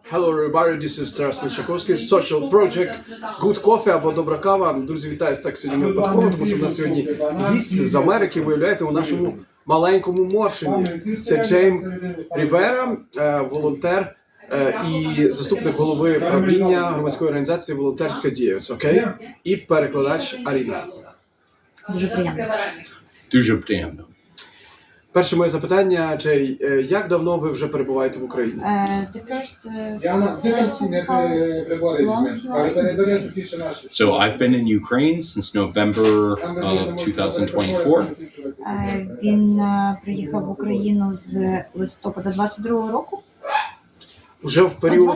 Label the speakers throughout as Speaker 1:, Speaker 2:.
Speaker 1: Hello everybody, this is Тарас Мельчаковський, Social Project, Good Coffee або Добра кава. Друзі, вітаю так сьогодні не випадково, тому що в нас сьогодні гість з Америки, виявляєте, у нашому маленькому Моршині. Це Джейм Рівера, волонтер і заступник голови правління громадської організації «Волонтерська діяльність», окей? І перекладач Аріна.
Speaker 2: Дуже приємно.
Speaker 3: Дуже приємно.
Speaker 1: Перше моє запитання, Джей, як давно ви вже перебуваєте в Україні?
Speaker 2: The first question, how long you are in?
Speaker 3: So I've been in Ukraine since November of 2024.
Speaker 2: Він приїхав в Україну з листопада 22-го року.
Speaker 1: Вже в період...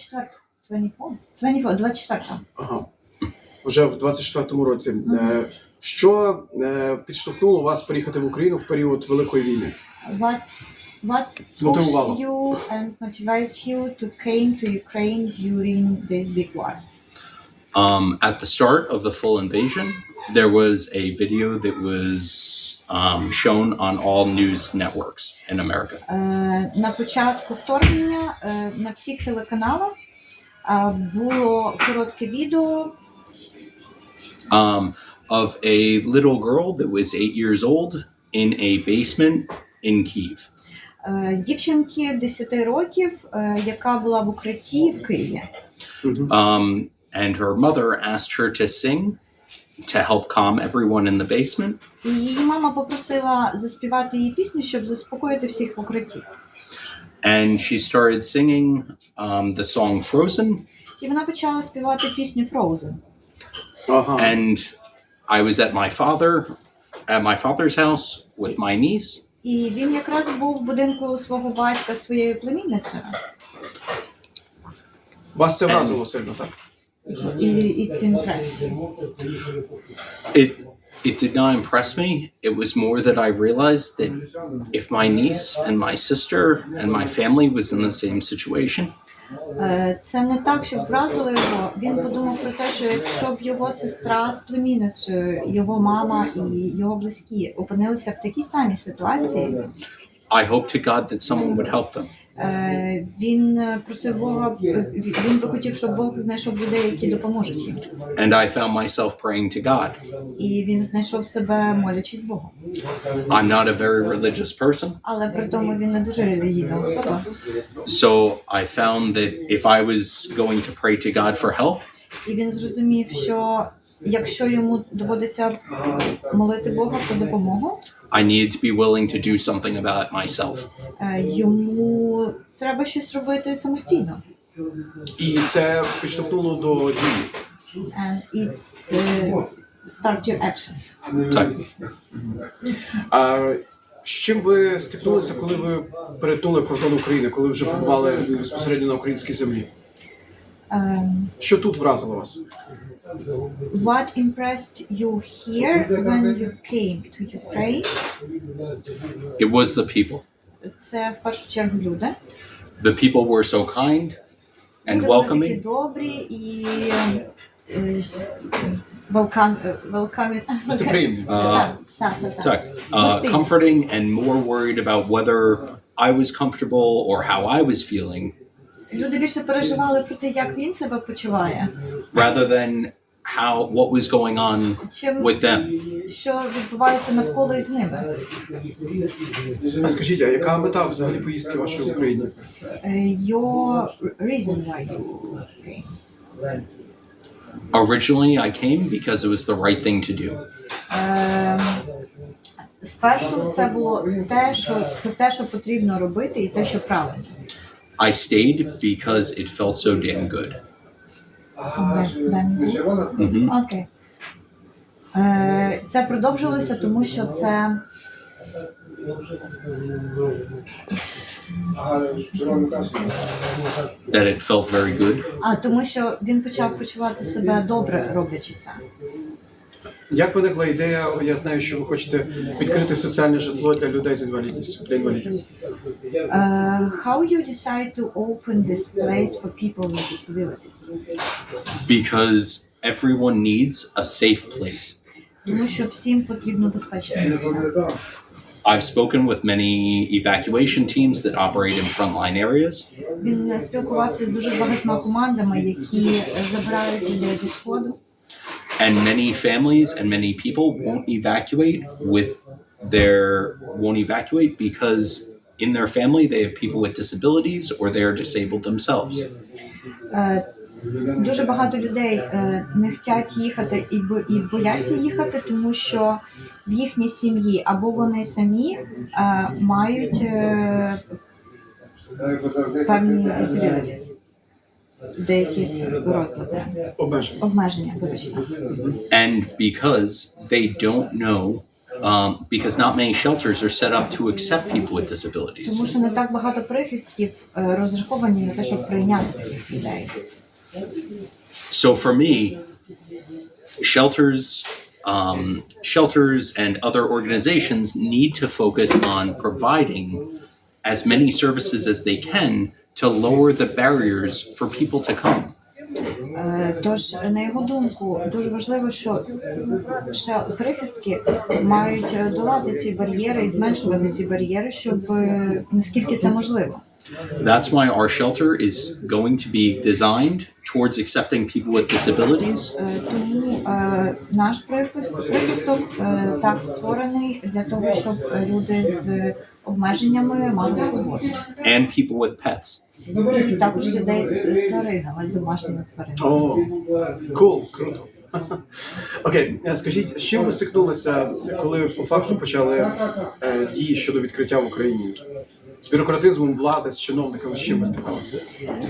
Speaker 2: 24.
Speaker 1: Ага. Вже в 24-му році. Що підштовхнуло вас приїхати в Україну в період Великої війни?
Speaker 2: What pushed you and motivated you to came to Ukraine during this big war?
Speaker 3: At the start of the full invasion, there was a video that was shown on all news networks in America.
Speaker 2: На початку вторгнення на всіх телеканалах було коротке відео
Speaker 3: Of a little girl that was 8 years old in a basement in Kyiv.
Speaker 2: Дівчинки 10 років, яка була в укритті в Києві.
Speaker 3: And her mother asked her to sing to help calm everyone in the basement.
Speaker 2: І її мама попросила заспівати їй пісню, щоб заспокоїти всіх в укритті.
Speaker 3: And she started singing the song Frozen.
Speaker 2: І вона почала співати пісню Frozen.
Speaker 3: And I was at my father's house with my niece.
Speaker 2: І він якраз був в будинку свого батька зі своєю племінницею.
Speaker 1: Вас це вразило сильно, так?
Speaker 2: І it's impressed.
Speaker 3: It did not impress me. It was more that I realized that if my niece and my sister and my family was in the same situation,
Speaker 2: це не так, щоб вразило його. Він подумав про те, що якщо б його сестра з племінницею, його мама і його близькі опинилися в такій самій ситуації,
Speaker 3: I hope to God that someone would help them.
Speaker 2: Він просив Бога, він би хотів, щоб Бог знайшов людей, які допоможуть їм.
Speaker 3: And I found myself praying to God.
Speaker 2: І він знайшов себе, молячись Богу.
Speaker 3: I'm not a very religious person.
Speaker 2: Але при тому він не дуже релігійна особа.
Speaker 3: So I found that if I was going to pray to God for help,
Speaker 2: І він зрозумів, що якщо йому доводиться молити Бога про допомогу,
Speaker 3: I needed to be willing to do something about it myself.
Speaker 2: Йому треба щось робити самостійно.
Speaker 1: І це підштовхнуло до дії.
Speaker 2: And it's start your actions.
Speaker 3: Так.
Speaker 1: А з чим ви стикнулися, коли ви перетнули кордон України, коли вже побували безпосередньо на українській землі? Що тут вразило вас?
Speaker 2: What impressed you here when you came to Ukraine?
Speaker 3: It was the people.
Speaker 2: Це в першу чергу люди.
Speaker 3: The people were so kind and
Speaker 2: Люди були такі
Speaker 3: welcoming.
Speaker 2: добрі і welcoming.
Speaker 1: Гостеприємні.
Speaker 3: Так. Comforting and more worried about whether I was comfortable or how I was feeling,
Speaker 2: Люди більше переживали про те, як він себе почуває,
Speaker 3: rather than what was going on
Speaker 2: чим
Speaker 3: with them.
Speaker 2: що відбувається навколо із ними.
Speaker 1: А скажіть, а яка мета взагалі поїздки вашої в Україні?
Speaker 2: Your reason why you came.
Speaker 3: Originally, I came because it was the right thing to do.
Speaker 2: Спершу це було те, що потрібно робити, і те, що правильно.
Speaker 3: I stayed because it felt so damn good.
Speaker 2: Окей. Це продовжилося, тому що це
Speaker 3: That it felt very good.
Speaker 2: тому що він почав почувати себе добре, роблячи це.
Speaker 1: Як виникла ідея, я знаю, що ви хочете відкрити соціальне житло для людей з інвалідністю, для інвалідів?
Speaker 2: How you decide to open this place for people with disabilities?
Speaker 3: Because everyone needs a safe place.
Speaker 2: Тому що всім потрібно безпечне місце.
Speaker 3: I've spoken with many evacuation teams that operate in frontline areas,
Speaker 2: Він спілкувався з дуже багатьма командами, які забирають людей зі сходу.
Speaker 3: and many families and many people won't evacuate because in their family they have people with disabilities or they are disabled themselves.
Speaker 2: Дуже багато людей не хочуть їхати і бояться їхати, тому що в їхній сім'ї або вони самі мають певні disabilities, деякі розлади, обмеження, вибачте.
Speaker 3: And because they don't know, because not many shelters are set up to accept people with disabilities.
Speaker 2: Тому що не так багато прихистків розраховані на те, щоб прийняти таких людей.
Speaker 3: So for me, shelters and other organizations need to focus on providing as many services as they can to lower the barriers for people to come.
Speaker 2: Тож, на його думку, дуже важливо, що прихистки мають долати ці бар'єри і зменшувати ці бар'єри, щоб наскільки це можливо.
Speaker 3: That's why our shelter is going to be designed towards accepting people with disabilities.
Speaker 2: Тому наш прихисток так створений для того, щоб люди з обмеженнями мали свободу.
Speaker 3: And people with pets.
Speaker 2: І також людей з тваринами, домашніми тваринами.
Speaker 1: О, круто. Окей, скажіть, з чим ви стикнулися, коли ви по факту почали дії щодо відкриття в Україні? З бюрократизмом влади, з чиновниками, з чим ви стикалися?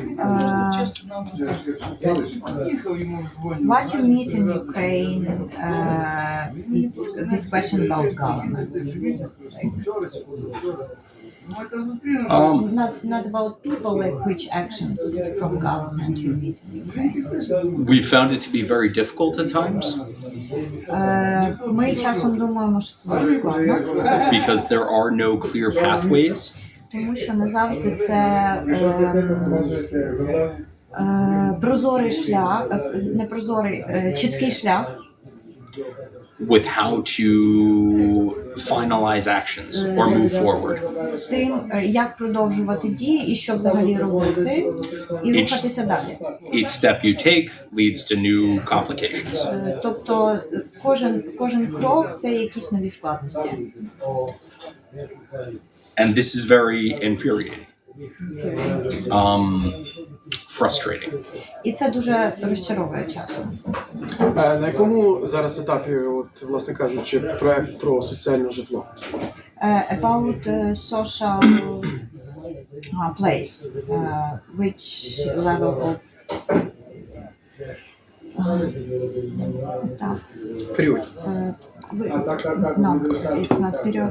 Speaker 2: What you meet in Ukraine, it's this question about government. Not about people, like which actions from government you meet in Ukraine.
Speaker 3: We found it to be very difficult at times
Speaker 2: Ми часом думаємо, що це дуже складно,
Speaker 3: because there are no clear pathways.
Speaker 2: тому що не завжди це прозорий шлях, не прозорий, чіткий шлях.
Speaker 3: With how to finalize actions or move forward.
Speaker 2: Тим, як продовжувати дії і що взагалі робити, і рухатися далі.
Speaker 3: Each step you take leads to new complications.
Speaker 2: Тобто кожен крок – це якісь нові складності.
Speaker 3: And this is very infuriating. Frustrating.
Speaker 2: І це дуже розчаровує часом.
Speaker 1: На якому зараз етапі, от, власне кажучи, проект про соціальне житло?
Speaker 2: About social place, which level of етап?
Speaker 1: Період.
Speaker 2: No, it's not period.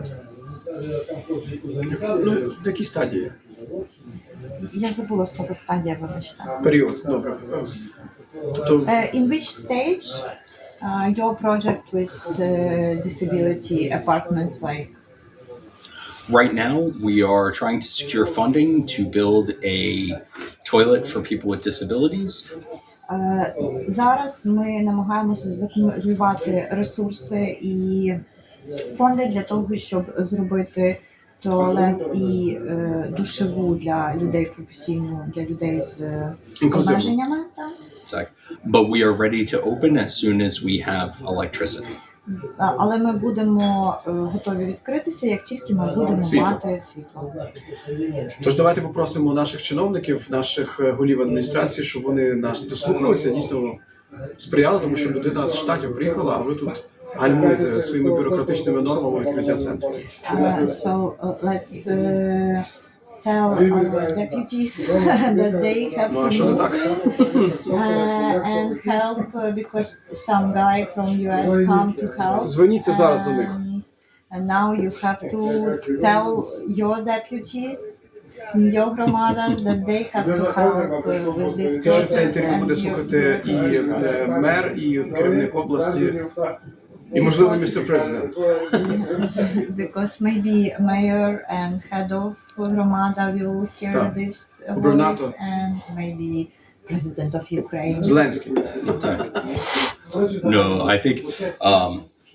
Speaker 1: Ну, в якій стадії?
Speaker 2: Я забула слово стадія, вибачте.
Speaker 1: Період, добре. Тобто,
Speaker 2: In which stage your project with disability apartments like?
Speaker 3: Right now, we are trying to secure funding to build a toilet for people with disabilities.
Speaker 2: Зараз ми намагаємося закумулювати ресурси і фонди для того, щоб зробити туалет і душеву для людей професійну, для людей з обмеженнями.
Speaker 3: Так. But we are ready to open as soon as we have electricity.
Speaker 2: Але ми будемо готові відкритися, як тільки ми будемо мати світло.
Speaker 1: Тож давайте попросимо наших чиновників, наших голів адміністрації, щоб вони нас дослухалися, дійсно сприяли, тому що людина з Штатів приїхала, а ви тут гальмуєте своїми бюрократичними нормами відкриття центру.
Speaker 2: So let's tell our deputies that they have
Speaker 1: Ну, а
Speaker 2: to
Speaker 1: що не
Speaker 2: move
Speaker 1: так?
Speaker 2: and help because some guy from US come to help.
Speaker 1: Зверніться зараз до них.
Speaker 2: And now you have to tell your deputies, your громадах, that they have to help with this
Speaker 1: Що це
Speaker 2: process.
Speaker 1: інтерв'ю буде
Speaker 2: And
Speaker 1: слухати і мер, і керівник області, і, можливо, містер президент.
Speaker 2: because maybe mayor and head of громада will hear
Speaker 1: Так.
Speaker 2: this
Speaker 1: Губернатор.
Speaker 2: voice and maybe president of Ukraine.
Speaker 1: Зеленський.
Speaker 3: Так. No, I think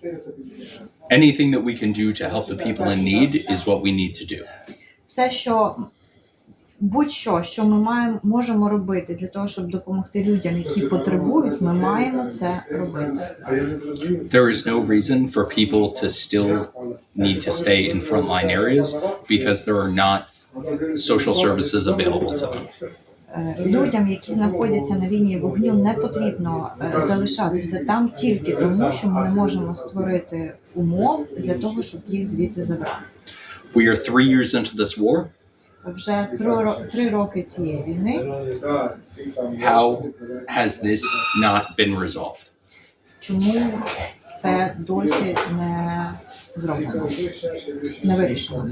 Speaker 3: Anything that we can do to help the people in need is what we need to do.
Speaker 2: Все, що будь-що, що ми можемо робити для того, щоб допомогти людям, які потребують, ми маємо це робити.
Speaker 3: There is no reason for people to still need to stay in frontline areas because there are not social services available to them.
Speaker 2: Людям, які знаходяться на лінії вогню, не потрібно залишатися там тільки тому, що ми не можемо створити умов для того, щоб їх звідти забрати.
Speaker 3: We are 3 years into this war.
Speaker 2: Вже 3 роки цієї війни.
Speaker 3: How has this not been resolved?
Speaker 2: Чому це досі не зроблено, не вирішено?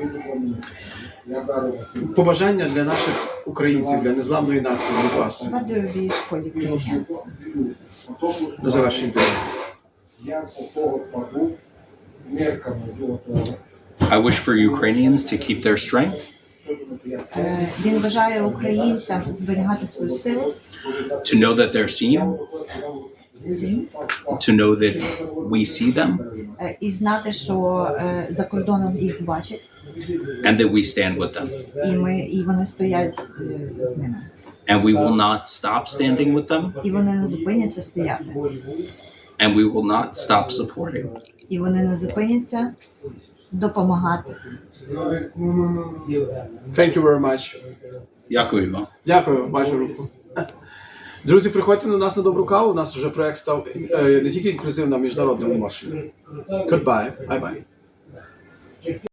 Speaker 1: Побажання для наших українців, для незламної нації від вас.
Speaker 2: What do you wish for Ukrainians?
Speaker 1: На завершення інтерв'ю.
Speaker 3: I wish for Ukrainians to keep their strength,
Speaker 2: Він бажає українцям зберігати свою силу,
Speaker 3: to know that they're seen, to know that we see them,
Speaker 2: і знати, що за кордоном їх бачать,
Speaker 3: and that we stand with them.
Speaker 2: і вони стоять з ними.
Speaker 3: And we will not stop standing with them,
Speaker 2: І вони не зупиняться стояти.
Speaker 3: and we will not stop supporting.
Speaker 2: І вони не зупиняться допомагати.
Speaker 1: Thank you very much.
Speaker 3: Дякую вам.
Speaker 1: Дякую, бачу руку. Друзі, приходьте на нас на добру каву. У нас вже проект став не тільки інклюзивним, а міжнародним маршем. Goodbye. Bye-bye.